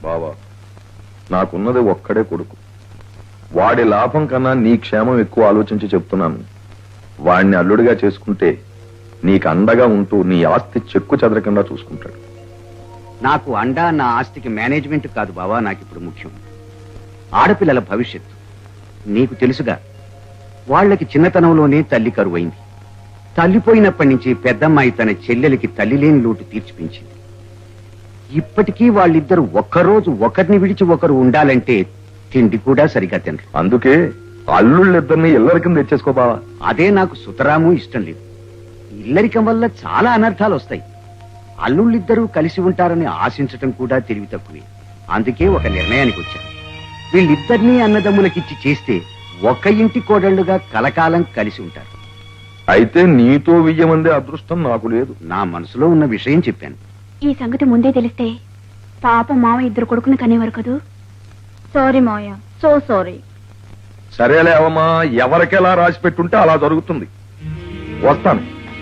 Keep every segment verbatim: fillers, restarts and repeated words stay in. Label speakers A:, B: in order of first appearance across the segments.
A: బావా, నాకున్నది ఒక్కడే కొడుకు. వాడి లాభం కన్నా నీ క్షేమం ఎక్కువ ఆలోచించి చెప్తున్నాను. వాడిని అల్లుడిగా చేసుకుంటే నీకు అండగా ఉంటూ నీ ఆస్తి చెక్కు చెదరకుండా చూసుకుంటాడు.
B: నాకు అండా నా ఆస్తికి మేనేజ్మెంట్ కాదు బావా, నాకు ఇప్పుడు ముఖ్యం ఆడపిల్లల భవిష్యత్తు. నీకు తెలుసుగా, వాళ్ళకి చిన్నతనంలోనే తల్లి కరువైంది. తల్లిపోయినప్పటి నుంచి పెద్దమ్మాయి తన చెల్లెలికి తల్లి లేని లోటు తీర్చిపించింది. ఇప్పటికీ వాళ్ళిద్దరూ ఒక్కరోజు ఒకరిని విడిచి ఒకరు ఉండాలంటే తిండి కూడా సరిగా తినరు.
A: అందుకే అల్లుళ్ళిద్దరిని ఇల్లరికం తెచ్చేసుకో బావా.
B: అదే నాకు సుతరాము ఇష్టం లేదు. ఇల్లరికం వల్ల చాలా అనర్థాలు వస్తాయి. అల్లుళ్ళిద్దరూ కలిసి ఉంటారని ఆశించటం కూడా తెలివి తక్కువే. అందుకే ఒక నిర్ణయానికి వచ్చాను. వీళ్ళిద్దరినీ అన్నదమ్ములకిచ్చి చేస్తే ఒక ఇంటి కోడళ్లుగా కలకాలం కలిసి ఉంటారు.
A: అయితే నీతో వియ్యమందే అదృష్టం నాకు లేదు.
B: నా మనసులో ఉన్న విషయం చెప్పాను.
C: ఈ సంగతి ముందే తెలిస్తే పాప మామ ఇద్దరు కొడుకుని కనేవారు కదూ. సారీ మావయ్య, సో సారీ.
A: సరేలే అవమ్మా, ఎవరికెలా రాసి పెట్టుంటే అలా జరుగుతుంది. వస్తాను.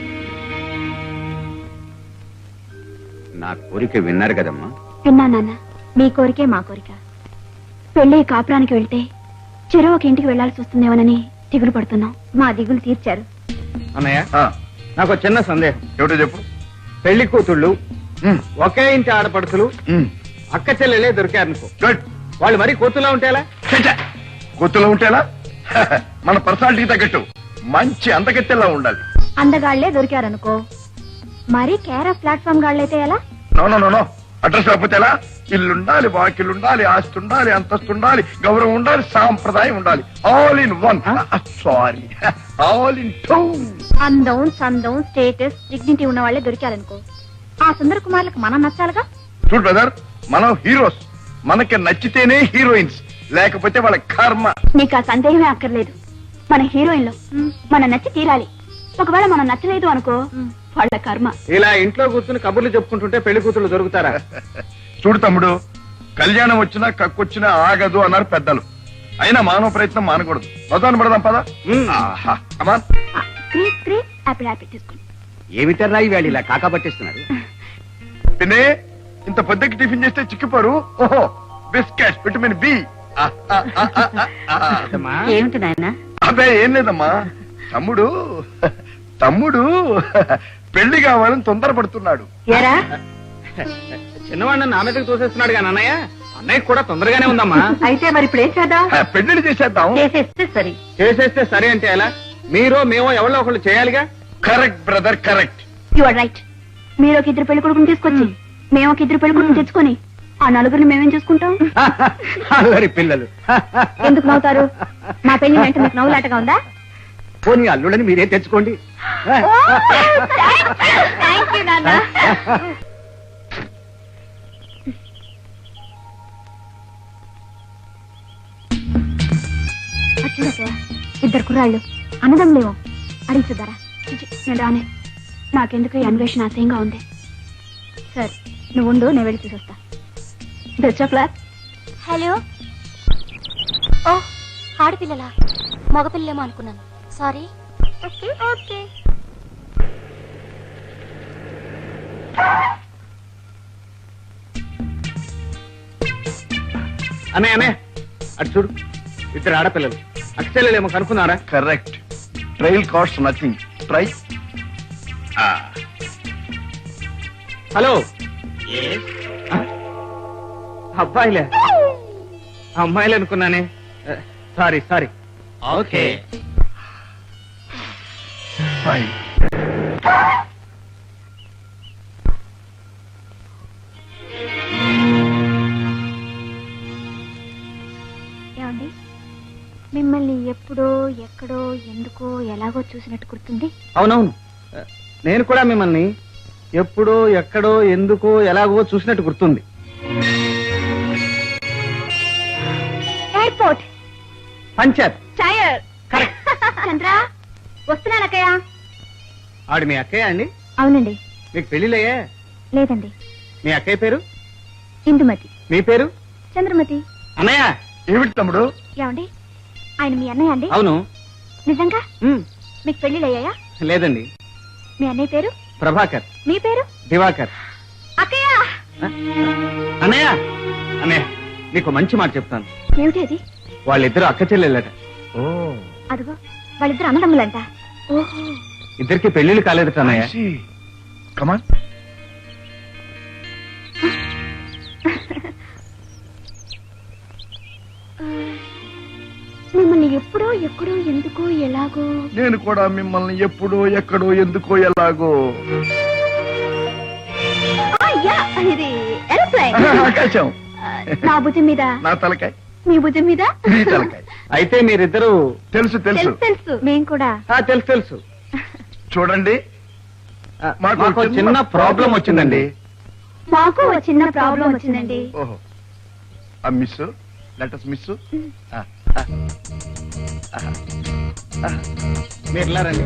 B: నా కోరిక విన్నారు కదమ్మా?
C: విన్నా నాన్న, మీ కోరికే మా కోరిక. పెళ్లి కాపురానికి వెళ్తే చెరో ఒక ఇంటికి వెళ్లాల్సి వస్తుందేమోనని దిగులు పడుతున్నాం. మా దిగులు తీర్చారు.
D: అన్నయ్య, నాకు చిన్న సందేహం.
A: ఏమిటో చెప్పు.
D: పెళ్లి కూతుళ్ళు ఒకే ఇంటి ఆడపడుతులు అక్క చెల్లెలే దొరికారనుకో, వాళ్ళు మరీ కూతులా ఉంటేలా?
A: గుర్తులో ఉంటేలా? మన పర్సనాలిటీ తగ్గట్టు మంచి అందగత్తెలా ఉండాలి.
C: అందగాళ్లే దొరికారనుకో, మరి కేర్ ఆఫ్ ప్లాట్ఫామ్ గాళ్ళైతే ఎలా?
A: నో నో నో అడ్రస్ లేకపోతే ఎలా? ఇల్లుండాలి, వాకిల్లుండాలి, ఆస్తి ఉండాలి, అంతస్తు ఉండాలి, గౌరవం ఉండాలి, సాంప్రదాయం ఉండాలి. All in one. Sorry, all in two.
C: అందం, సందం, స్టేటస్, డిగ్నిటీ ఉన్న వాళ్ళే దొరికారనుకో, ఆ సుందర కుమార్లకు మనం నచ్చాలిగా.
A: చూడు బ్రదర్, మనం హీరోస్. మనకి నచ్చితేనే హీరోయిన్స్, లేకపోతే వాళ్ళ కర్మ.
C: నీకు ఆ సందేహమే అక్కర్లేదు. మన హీరోయిన్లో మనం నచ్చి తీరాలి. ఒకవేళ మనం నచ్చలేదు అనుకో, వాళ్ళ కర్మ.
D: ఇలా ఇంట్లో కూర్చుని కబుర్లు చెప్పుకుంటుంటే పెళ్లి కూతుళ్ళు దొరుకుతారా?
A: చూడు తమ్ముడు, కళ్యాణం వచ్చినా కక్కొచ్చినా ఆగదు అన్నారు పెద్దలు. అయినా మానవ ప్రయత్నం మానకూడదు. మొదలు పడదాం పదా.
B: ఏమిటర్రా ఇవాళ ఇలా కాకా పట్టిస్తున్నారు?
A: తినే ఇంత పొద్దుకి టిఫిన్ చేస్తే చిక్కిపోరు. ఓహో, బిస్కెట్ విటమిన్ బి.
C: ఏమిటి నాయన?
A: అదే ఏం లేదమ్మా, తమ్ముడు తమ్ముడు పెళ్లి కావాలని తొందరపడుతున్నాడు.
D: చిన్నవాడిని నా మీదకి తోసేస్తున్నాడు కానీ అన్నయ్య, అన్నయ్య కూడా తొందరగానే ఉందమ్మా.
C: అయితే మరి ఇప్పుడు ఏం చేద్దాం?
A: పెళ్లి చేసేద్దాం.
C: చేసేస్తే సరే.
D: చేసేస్తే సరే అంటే ఎలా? మీరో మేమో ఎవరో ఒకళ్ళు చేయాలిగా.
A: Correct brother, correct.
C: You are right. మీరు ఒక ఇద్దరు పెళ్లి కొడుకుని తీసుకొచ్చి, మేము ఒక ఇద్దరు పెళ్లి కొడుకుని తెచ్చుకొని, ఆ నలుగురిని మేమేం చూసుకుంటాం?
B: అల్లరి పిల్లలు.
C: ఎందుకు నవ్వుతారు? మా పెళ్లి వెంట మీకు నవ్వులాటగా ఉందా?
B: పోనీ అల్లుడని మీరే తెచ్చుకోండి.
C: థ్యాంక్ యూ నాన్న. ఇద్దరు కుర్రాళ్ళు అన్నదమ్ములేమో అడిగి చూద్దారా? నేను రానే. నాకెందుకు ఈ అన్వేషణ ఆశయంగా ఉంది. సరే నువ్వు ఉండు, నేను వెళ్ళి చూసొస్తా. Best of luck.
E: హలో. ఓ, ఆడపిల్లలా? మగపిల్లేమో అనుకున్నాను. సారీ. Okay okay.
D: అన్నయ్య అన్నయ్య, అటు చూడు, ఇద్దరు ఆడపిల్లలు. అక్షలేమో కనుక్కున్నారా?
A: Correct. Trial cost nothing. Try.
D: Hello. అబ్బాయిలే? అమ్మాయిలు అనుకున్నానే. Sorry sorry. ఓకే.
C: ఏమండి, మిమ్మల్ని ఎప్పుడో ఎక్కడో ఎందుకో ఎలాగో చూసినట్టు గుర్తుంది.
D: అవునవును, నేను కూడా మిమ్మల్ని ఎప్పుడో ఎక్కడో ఎందుకో ఎలాగో చూసినట్టు గుర్తుంది.
C: ఎయిర్పోర్ట్.
D: పంచర్.
C: టైర్. చంద్ర వస్తున్నానక్కయ్య.
D: ఆవిడ మీ అక్కయ్య అండి?
C: అవునండి.
D: మీకు పెళ్లిలయ్యా?
C: లేదండి.
D: మీ అక్కయ్య పేరు?
C: ఇందుమతి.
D: మీ పేరు?
C: చంద్రమతి.
D: అన్నయ్య.
A: ఏమిటి తమ్ముడు?
C: ఏమండి, ఆయన మీ అన్నయ్య అండి?
D: అవును.
C: నిజంగా? మీకు పెళ్లిళ్ళయ్యాయా?
D: లేదండి.
C: మీ అన్నయ్య పేరు?
D: ప్రభాకర్.
C: మీ పేరు?
D: దివాకర్.
C: అక్కయ్య.
D: అన్నయ్య అనే నీకు మంచి మాట చెప్తాను.
C: ఏమిటి అది?
D: వాళ్ళిద్దరు అక్క చెల్లెళ్ళట.
C: అదిగో వాళ్ళిద్దరు అన్నదమ్ములంట. ఓహో,
D: ఇద్దరికి పెళ్లిళ్ళు కాలేదట అన్నయ్య.
A: కమాన్.
C: మిమ్మల్ని ఎప్పుడో ఎక్కడో ఎందుకో ఎలాగో.
A: నేను కూడా మిమ్మల్ని ఎప్పుడో ఎక్కడో ఎందుకో ఎలాగో.
C: ఆ, యా, ఇది ఏరోప్లేన్.
A: ఆకాశం.
C: నా భుజం మీద,
A: నా తలకాయ
C: మీ భుజం మీద.
A: నీ తలకాయ.
D: అయితే మీరిద్దరు
A: తెలుసు తెలుసు
C: తెలుసు తెలుసు మేము కూడా.
D: ఆ, తెలుసు తెలుసు.
A: చూడండి,
D: ఆ,
A: మాకు
D: మాకు
A: చిన్న
D: చిన్న ప్రాబ్లం వచ్చిందండి.
C: మాకు ఒక చిన్న ప్రాబ్లం వచ్చిందండి.
A: ఓహో, ఆ మిస్ లెటస్ మిస్.
D: మీరు ఇలా రండి.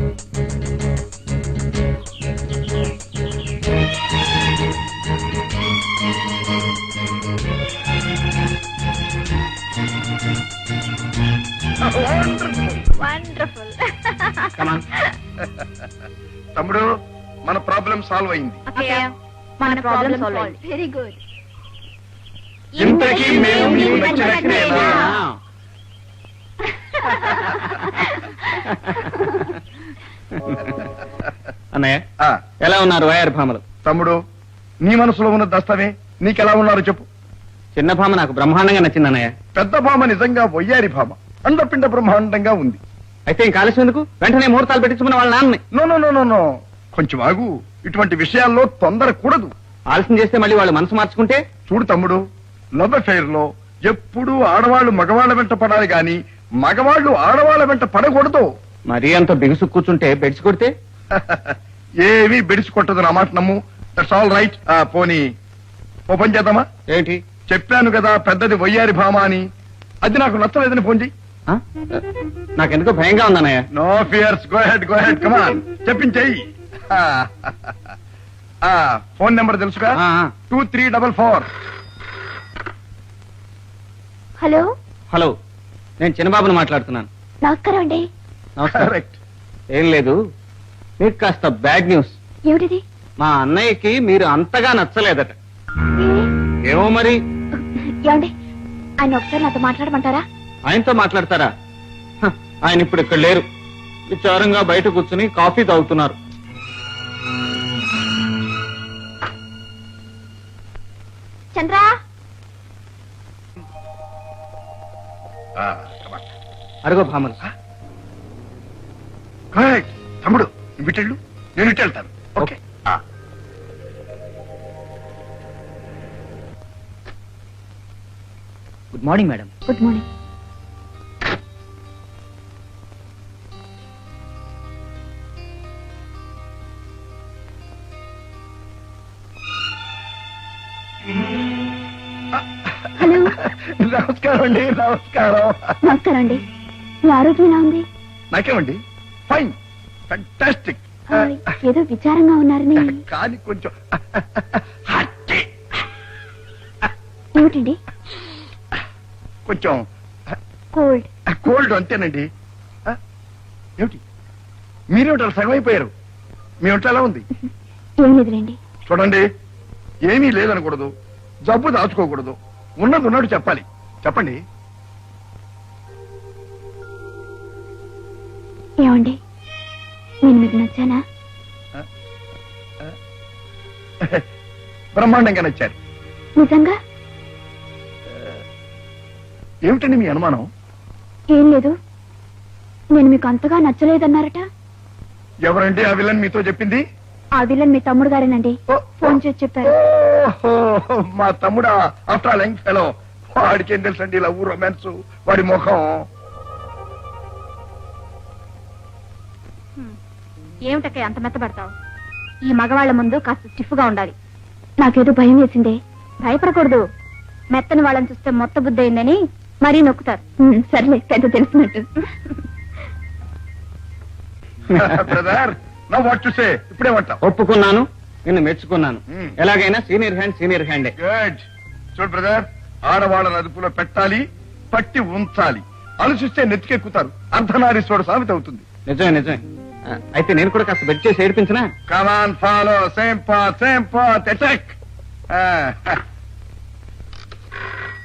C: వండర్ఫుల్.
D: Come on.
A: తమ్ముడు, మన ప్రాబ్లం సాల్వ్ అయింది.
C: మన ప్రాబ్లం సాల్వ్. Very good.
A: ఇంతకీ మేము మీకు నచ్చినట్లేనా?
D: అన్నయ్య,
A: ఆ,
D: ఎలా ఉన్నారు వయారి భామలు?
A: తమ్ముడు, నీ మనసులో ఉన్న దస్తమే నీకెలా ఉన్నారు చెప్పు.
D: చిన్న భామ నాకు బ్రహ్మాండంగా నచ్చింది అన్నయ్య.
A: పెద్ద భామ నిజంగా వయ్యారి భామ, అండపిండ బ్రహ్మాండంగా ఉంది.
D: అయితే ఇంక ఆలస్యం ఎందుకు? వెంటనే ముహూర్తాలు పెట్టించుకున్న వాళ్ళ నాన్నని.
A: No no no no no కొంచెం ఆగు. ఇటువంటి విషయాల్లో తొందర కూడదు.
D: ఆలస్యం చేస్తే మళ్ళీ వాళ్ళు మనసు మార్చుకుంటే?
A: చూడు తమ్ముడు, లవ్ అఫైర్ లో ఎప్పుడూ ఆడవాళ్లు మగవాళ్ల వెంట పడాలి గాని మగవాళ్లు ఆడవాళ్ల వెంట పడకూడదు.
D: మరీ అంత బిగుసు కూర్చుంటే బెడ్స్ కొడితే?
A: ఏమీ బెడిసి కొట్టదు, నా మాట నమ్ము. That's all right. పోనీ ఓ పని చేద్దామా?
D: ఏంటి?
A: చెప్పాను కదా పెద్దది వయ్యారి భామ అని. అది నాకు నచ్చలేదని ఫోన్ చెయ్యి.
D: ఆ? నాకెందుకో భయంగా ఉందన్నయ్య.
A: No fears, go ahead go ahead come on, చెప్పించేయి. ఫోన్ నెంబర్ తెలుసుగా?
D: ఆ, ఆ.
A: Two three double four.
C: Hello,
D: hello, నేను చిన్నబాబుని మాట్లాడుతున్నాను.
C: నమస్కారం అండి.
D: నమస్కారం.
A: కరెక్ట్.
D: ఏం లేదు, మీకు కాస్త బ్యాడ్ న్యూస్.
C: ఏమిటిది?
D: మా అన్నయ్యకి మీరు అంతగా నచ్చలేదట. ఏమో మరి.
C: ఏమండి, ఆయన ఒకసారి నాతో మాట్లాడమంటారా?
D: ఆయనతో మాట్లాడతారా? హ, ఆయన ఇప్పుడు ఇక్కడ లేరు. విచారంగా బయట కూర్చుని కాఫీ తాగుతున్నారు.
C: చంద్రా,
D: అరుగో భామలు.
A: కరెక్ట్. తమ్ముడు, నువ్వు ఇటెళ్ళు, నేను ఇటు వెళ్తాను. Okay.
D: Good morning madam.
C: Good morning. Hello.
A: నమస్కారం అండి. నమస్కారం.
C: నమస్కారం అండి. మీ ఆరోగ్యం ఎలా ఉంది?
A: నాకేమండి, ఫైన్, ఫ్యాంటాస్టిక్.
C: ఆ, ఏదో విచారంగా ఉన్నారని.
A: కానీ కొంచెం
C: ఏమిటండి?
A: కొంచెం
C: కోల్డ్.
A: కోల్డ్ అంతేనండి. ఆ, ఏమిటి మీరేమిటి సగం అయిపోయారు? మీ ఒంట్లో ఎలా ఉంది?
C: ఏం లేదులేండి.
A: చూడండి, ఏమీ లేదనకూడదు, జబ్బు దాచుకోకూడదు, ఉన్నది ఉన్నట్టు చెప్పాలి. చెప్పండి.
C: ఏమండి, నేను మీకు నచ్చానా?
A: బ్రహ్మాండంగా నచ్చారు.
C: నిజంగా?
A: ఏమిటండి మీ అనుమానం?
C: ఏం లేదు, నేను మీకు అంతగా నచ్చలేదన్నారట.
A: ఎవరండి ఆ విలన్ మీతో చెప్పింది?
C: ఆ విలన్ మీ తమ్ముడు గారేనండి.
A: ఓ,
C: ఫోన్ చేసి చెప్పారు.
A: ఓహో, మా తమ్ముడా? ఆఫ్టర్ ఆల్ యంగ్ ఫెలో, వాడికి ఏం తెలుసండి లవ్ రొమాన్స్, వాడి ముఖం.
C: ఏమిటక్క అంత మెత్తబడతావు? ఈ మగవాళ్ల ముందు కాస్త స్టిఫ్ గా ఉండాలి. నాకేదో భయం వేసిందే. భయపడకూడదు. మెత్తని వాళ్ళని చూస్తే మొత్త బుద్ధి అయిందని మరీ నొక్కుతారు. ఉమ్, సర్లే, పెద్ద తెలిసినట్టు.
A: Brother, now what to say? ఇప్పుడేమంటావు?
D: ఒప్పుకున్నాను, నిన్ను మెచ్చుకున్నాను.
A: Hmm.
D: ఎలాగైనా సీనియర్ హ్యాండ్ సీనియర్ హ్యాండే.
A: గుడ్. చూడు బ్రదర్, ఆడవాళ్ళని అదుపులో పెట్టాలి, పట్టి ఉంచాలి. ఆలోచిస్తే నెత్తికెక్కుతారు. అర్ధనారీశ్వరుడు సామెత అవుతుంది.
D: నిజమే నిజమే. ఆ, అయితే నేను కూడా కాస్త బెడ్ చేసి ఏడిపించినా?
A: Come on, follow same path same path attack.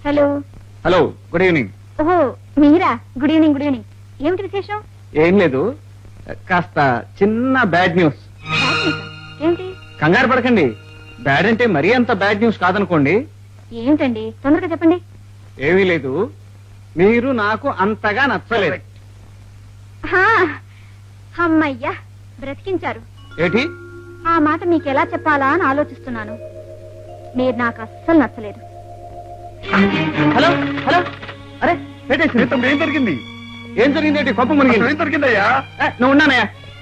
C: Hello
D: hello good evening.
C: ఓహో మీరా? Good evening. Good evening. ఏమిటి విశేషం?
D: ఏం లేదు, కాస్త చిన్న బ్యాడ్ న్యూస్.
C: బ్యాడ్ న్యూసా? ఏంటి?
D: కంగారు పడకండి, బ్యాడ్ అంటే మరీ అంత బ్యాడ్ న్యూస్ కాదనుకోండి.
C: ఏమిటండి? తొందరగా చెప్పండి.
D: ఏమీ లేదు, మీరు నాకు అంతగా నచ్చలేదు.
C: హా, అమ్మయ్యా బ్రతికించారు.
D: ఏంటి?
C: ఆ మాట మీకు ఎలా చెప్పాలా అని ఆలోచిస్తున్నాను. మీరు నాకు అస్సలు నచ్చలేదు.
D: హలో హలో, అరే పెట్టేసి.
A: ఏం జరిగింది?
D: ఏం జరిగింది? కొప్ప మునిగింది.
A: ఏం జరిగిందయ్యా?
D: ఏ, నువ్వు ఉన్నానయ్యా.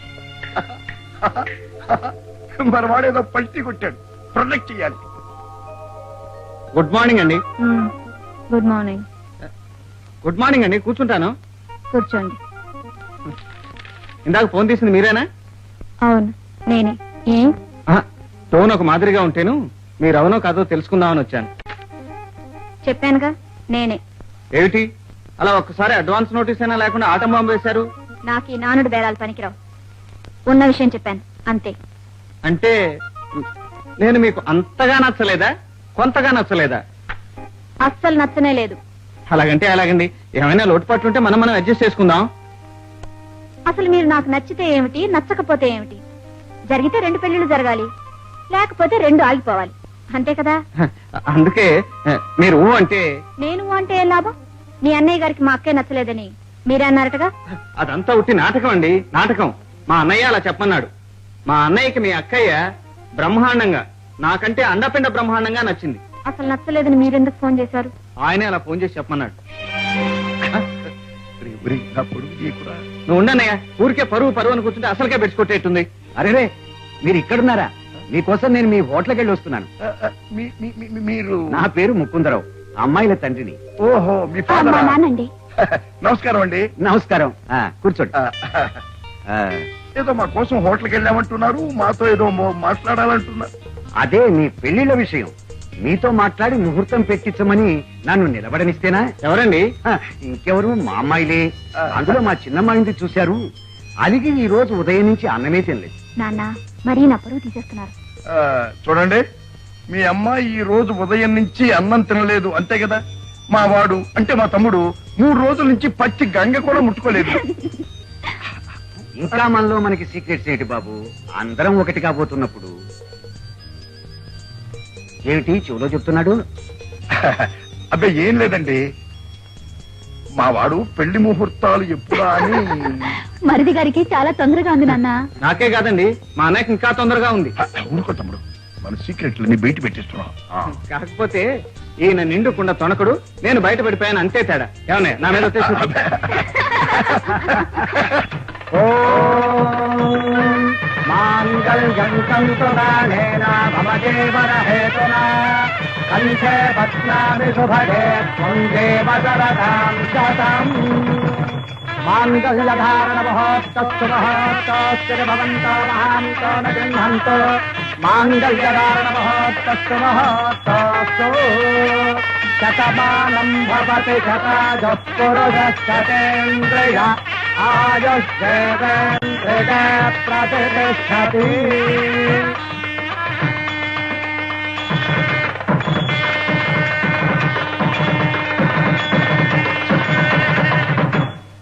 A: మరి వాడేదో పల్టీ కొట్టాడు, ప్రొటెక్ట్ చేయాలి.
D: గుడ్ మార్నింగ్ అండి.
C: Good morning.
D: గుడ్ మార్నింగ్ అండి, కూర్చుంటాను.
C: కూర్చోండి.
D: ఇందాక ఫోన్ తీసింది మీరేనా?
C: అవును నేనే. ఏం?
D: ఆహా, టోన్ ఒక మాదిరిగా ఉంటేను మీరు అవునో కాదో తెలుసుకుందామని వచ్చాను.
C: చెప్పానుగా నేనే.
D: ఏమిటి అలా ఒక్కసారి అడ్వాన్స్ నోటీస్ అయినా లేకుండా ఆటం బాంబు వేశారు?
C: నాకు ఈ నానుడు బేరాలు పనికిరావు. ఉన్న విషయం చెప్పాను అంతే.
D: అంటే నేను మీకు అంతగా నచ్చలేదా, కొంతగా నచ్చలేదా?
C: అస్సలు నచ్చనే లేదు.
D: అలాగంటే అలాగండి, ఏమైనా లోటుపాట్లు ఉంటే మనం మనం అడ్జస్ట్ చేసుకుందాం.
C: అసలు మీరు నాకు నచ్చితే ఏమిటి, నచ్చకపోతే ఏమిటి? జరిగితే రెండు పెళ్లిళ్ళు జరగాలి, లేకపోతే రెండు ఆగిపోవాలి, అంతే కదా?
D: అందుకే మీరు ఊ అంటే.
C: నేను అంటే ఏం లాభం? మీ అన్నయ్య గారికి మా అక్కే నచ్చలేదని మీరే అన్నారటగా.
D: అదంతా ఉట్టి నాటకం అండి, నాటకం. మా అన్నయ్య అలా చెప్పన్నాడు. మా అన్నయ్యకి మీ అక్కయ్య బ్రహ్మాండంగా, నాకంటే అండపిండ బ్రహ్మాండంగా నచ్చింది.
C: అసలు నచ్చలేదని మీరెందుకు ఫోన్ చేశారు?
D: ఆయనే అలా ఫోన్ చేసి చెప్పమన్నాడు.
A: నా పొడుగు చేయకురా.
D: నువ్వు ఉండన్నయ్య, ఊరికే పరువు పరువు అని కూర్చుంటే అసలుకే పెట్టుకొట్టేట్టుంది.
B: అరేరే మీరు ఇక్కడున్నారా? మీకోసం నేను మీ హోటల్కి వెళ్ళి వస్తున్నాను.
A: ఆ, ఆ, మీ- మీ- మీ- మీరు
B: నా పేరు ముకుందరావు, అమ్మాయిల తండ్రిని.
A: ఓహో మీ
C: ఆ, మా
A: ఫాదరా?
C: నాన్నండి.
A: నమస్కారం అండి.
B: నమస్కారం. ఆ, కూర్చోండి.
A: ఆ,
B: ఆ,
A: ఏదో మా కోసం హోటల్కి వెళ్ళామంటున్నారు, మాతో ఏదో మో- మాట్లాడాలంటున్నారు.
B: అదే మీ పెళ్లిళ్ళ విషయం. మీతో మాట్లాడి ముహూర్తం పెట్టించమని నన్ను నిలబడనిస్తేనా?
D: ఎవరండి?
B: హ, ఇంకెవరు? మా అమ్మాయిలే. అందులో మా చిన్నమ్మాయింది చూశారు. అలిగి ఈ రోజు ఉదయం నుంచి అన్నమే తినలేదు.
C: నాన్న మరీ నా పరువు తీసేస్తున్నారు.
A: ఆ, చూడండి, మీ అమ్మాయి ఈ రోజు ఉదయం నుంచి అన్నం తినలేదు అంతే కదా. మా వాడు అంటే మా తమ్ముడు మూడు రోజుల నుంచి పచ్చి గంగ కూడా ముట్టుకోలేదు.
B: ఇంకా మనలో మనకి సీక్రెట్స్ ఏంటి బాబు? అందరం ఒకటి కాబోతున్నప్పుడు. ఏమిటి చెవులో చెప్తున్నాడు?
A: అబ్బే ఏం లేదండి, మా వాడు పెళ్లి ముహూర్తాలు ఎప్పుడా అని.
C: మరిది గారికి చాలా తొందరగా ఉంది నాన్న.
D: నాకే కాదండి, మా అన్నయ్యకి ఇంకా తొందరగా ఉంది.
A: ఊరుకో తమ్ముడు, మన సీక్రెట్లని బయట పెట్టిస్తున్నాం. ఆ.
D: కాకపోతే ఈయన నిండుకుండా తొణకడు, నేను బయట పడిపోయాను అంతే తేడా. ఏమన్నా నా మీద వచ్చేసి
B: మాంగళ్యం తంతు ప్రాణేన మమ జీవన హేతునా కంఠే బధ్నామి శుభగే త్వం దేవ శరదాం శతం. మాంగళ్యధారణ మహోత్తస్సు మహోత్తస్సు భవంతో మహాంతో న గృహంతో. మాంగళ్యధారణ మహోత్తస్సు మహోత్తస్సు. శతమానం భవతి శతాజః పురుషः శతేంద్రియ ఆయుష్యేవేంద్రియ ప్రతిష్టతి.